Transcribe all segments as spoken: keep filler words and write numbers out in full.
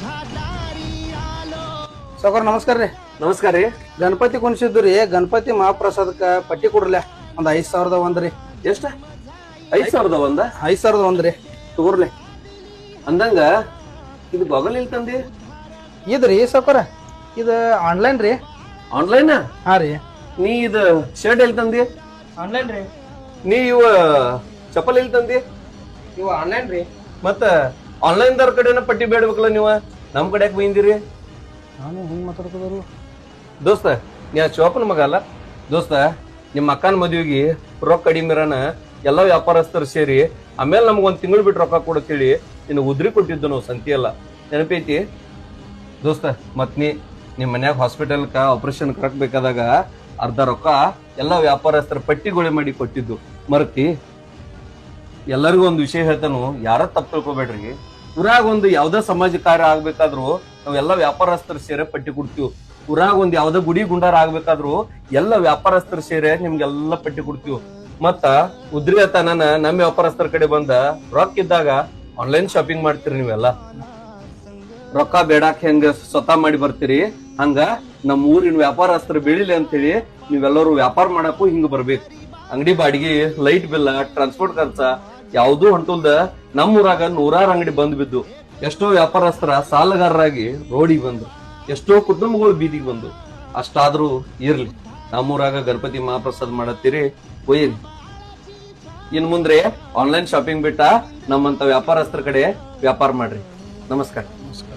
ಸಾವ್ಕಾರ ನಮಸ್ಕಾರ ರೀ. ನಮಸ್ಕಾರ ರೀ. ಗಣಪತಿ ಕುಣಿಸಿದ್ದು ರೀ. ಗಣಪತಿ ಮಹಾಪ್ರಸಾದಕ್ಕ ಪಟ್ಟಿ ಕೊಡ್ರಲ್ಲ ಒಂದ್ ಐದ್ ಸಾವಿರದ ಒಂದ್ರಿ. ಎಷ್ಟ? ಐದ್ ಸಾವಿರದ ಒಂದ ಐದ್ ಸಾವಿರದ ಒಂದ್ರಿ ತಗೋರ್ಲಿ. ಅಂದಂಗ ಇದು ಬಗಲ್ ಇಲ್ಲಿ ತಂದಿ ಇದ್ರಿ ಸಾವ್ಕಾರ. ಇದು ಆನ್ಲೈನ್ ರೀ. ಆನ್ಲೈನ್? ಹಾ ರೀ. ನೀ ಇದು ಶರ್ಟ್ ಎಲ್ಲಿ ತಂದಿ? ಆನ್ಲೈನ್ ರೀ. ನೀ ಇವ ಚಪ್ಪಲ್ ಎಲ್ಲಿ ತಂದಿ? ಇವು ಆನ್ಲೈನ್ ರೀ. ಮತ್ತ ಆನ್ಲೈನ್ ದವ್ರ ಕಡೆನ ಪಟ್ಟಿ ಬೇಡ್ಬೇಕಲ್ಲ ನೀವ, ನಮ್ ಕಡೆ ಯಾಕೆ ಬೈಂದಿರಿ? ನಾನು ಹಿಂಗ್ ಮಾತಾಡ್ಕೋದ್ರು ದೋಸ್ತ. ನೀ ಆ ಚೋಪನ ಮಗ ಅಲ್ಲ ದೋಸ್ತ. ನಿಮ್ಮ ಅಕ್ಕನ ಮದ್ವಿಗೆ ರೊಕ್ಕ ಕಡಿಮೆರನ ಎಲ್ಲ ವ್ಯಾಪಾರಸ್ಥರು ಸೇರಿ ಆಮೇಲೆ ನಮ್ಗ ಒಂದ್ ತಿಂಗಳು ಬಿಟ್ಟು ರೊಕ್ಕ ಕೊಡತ್ತೇಳಿ ನಿನ್ನ ಉದ್ರಿ ಕೊಟ್ಟಿದ್ದು ನಾವು ಸಂತಿ ಎಲ್ಲ ನೆನಪೈತಿ ದೋಸ್ತ. ಮತ್ ನೀ ನಿಮ್ ಮನ್ಯಾಗ ಹಾಸ್ಪಿಟಲ್ಕ ಆಪರೇಷನ್ ಕರಕ್ ಬೇಕಾದಾಗ ಅರ್ಧ ರೊಕ್ಕ ಎಲ್ಲಾ ವ್ಯಾಪಾರಸ್ಥರ ಪಟ್ಟಿಗೊಳೆ ಮಾಡಿ ಕೊಟ್ಟಿದ್ದು ಮರತಿ. ಎಲ್ಲರಿಗೂ ಒಂದು ವಿಷಯ ಹೇಳ್ತಾನು, ಯಾರ ತಪ್ಪು ತಿಳ್ಕೊಬೇಡ್ರಿ. ಊರಾಗ ಒಂದು ಯಾವ್ದೇ ಸಮಾಜ ಕಾರ್ಯ ಆಗ್ಬೇಕಾದ್ರು ನಾವೆಲ್ಲಾ ವ್ಯಾಪಾರಸ್ಥರು ಸೇರೆ ಪಟ್ಟಿ ಕೊಡ್ತೀವಿ. ಊರಾಗ ಒಂದ್ ಯಾವ್ದೇ ಗುಡಿ ಗುಂಡಾರ ಆಗ್ಬೇಕಾದ್ರು ಎಲ್ಲ ವ್ಯಾಪಾರಸ್ಥರು ಸೇರೆ ನಿಮ್ಗೆಲ್ಲಾ ಪಟ್ಟಿ ಕೊಡ್ತೀವಿ. ಮತ್ತ ಉದ್ರಿ ತನನ ನಮ್ಮ ವ್ಯಾಪಾರಸ್ಥರ ಕಡೆ ಬಂದ ರೊಕ್ಕ ಇದ್ದಾಗ ಆನ್ಲೈನ್ ಶಾಪಿಂಗ್ ಮಾಡ್ತೀರಿ ನೀವೆಲ್ಲ. ರೊಕ್ಕ ಬೇಡಾಕ್ ಹೆಂಗ ಸ್ವತಃ ಮಾಡಿ ಬರ್ತೀರಿ, ಹಂಗ ನಮ್ ಊರಿನ ವ್ಯಾಪಾರಸ್ಥರು ಬೆಳಿಲಿ ಅಂತ ಹೇಳಿ ನೀವೆಲ್ಲರೂ ವ್ಯಾಪಾರ ಮಾಡಕ್ಕೂ ಹಿಂಗ ಬರ್ಬೇಕು. ಅಂಗಡಿ ಬಾಡಿಗೆ, ಲೈಟ್ ಬಿಲ್, ಟ್ರಾನ್ಸ್ಪೋರ್ಟ್ ಖರ್ಚ ಯಾವ್ದೂ ಹೊಂಟಲ್ದ ನಮ್ಮ ಊರಾಗ ನೂರಾರು ಅಂಗಡಿ ಬಂದ್ ಬಿದ್ದು ಎಷ್ಟೋ ವ್ಯಾಪಾರಸ್ಥರ ಸಾಲಗಾರರಾಗಿ ರೋಡಿಗೆ ಬಂದ್ರು, ಎಷ್ಟೋ ಕುಟುಂಬಗಳು ಬೀದಿಗೆ ಬಂದು. ಅಷ್ಟಾದ್ರೂ ಇರ್ಲಿ, ನಮ್ಮೂರಾಗ ಗಣಪತಿ ಮಹಾಪ್ರಸಾದ್ ಮಾಡತ್ತೀರಿ ಒಯ್ಯಿರಿ. ಇನ್ ಮುಂದ್ರೆ ಆನ್ಲೈನ್ ಶಾಪಿಂಗ್ ಬಿಟ್ಟ ನಮ್ಮಂತ ವ್ಯಾಪಾರಸ್ಥರ ಕಡೆ ವ್ಯಾಪಾರ ಮಾಡ್ರಿ. ನಮಸ್ಕಾರ.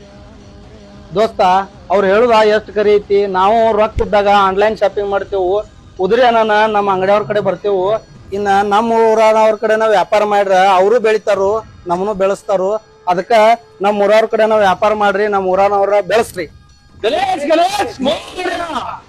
ದೋಸ್ತ. ಅವ್ರು ಹೇಳುದ ಎಷ್ಟ್ ಕರಿ ಐತಿ. ನಾವು ರೊಕ್ಕ ಇದ್ದಾಗ ಆನ್ಲೈನ್ ಶಾಪಿಂಗ್ ಮಾಡ್ತೇವು. ಉದ್ರಿ ಅನ್ನ ನಮ್ಮ ಅಂಗಡಿಯವ್ರ ಕಡೆ ಬರ್ತೇವು. ಇನ್ನ ನಮ್ಮ ಊರವ್ರ ಕಡೆ ನಾವ್ ವ್ಯಾಪಾರ ಮಾಡ್ರ ಅವರು ಬೆಳಿತಾರು, ನಮ್ಮನ್ನು ಬೆಳೆಸ್ತಾರು. ಅದಕ್ಕ ನಮ್ಮ ಊರವ್ರ ಕಡೆ ನಾವ್ ವ್ಯಾಪಾರ ಮಾಡ್ರಿ, ನಮ್ಮ ಊರನವ್ರ ಬೆಳೆಸ್ರಿ. ಗಣೇಶ್ ಗಣೇಶ್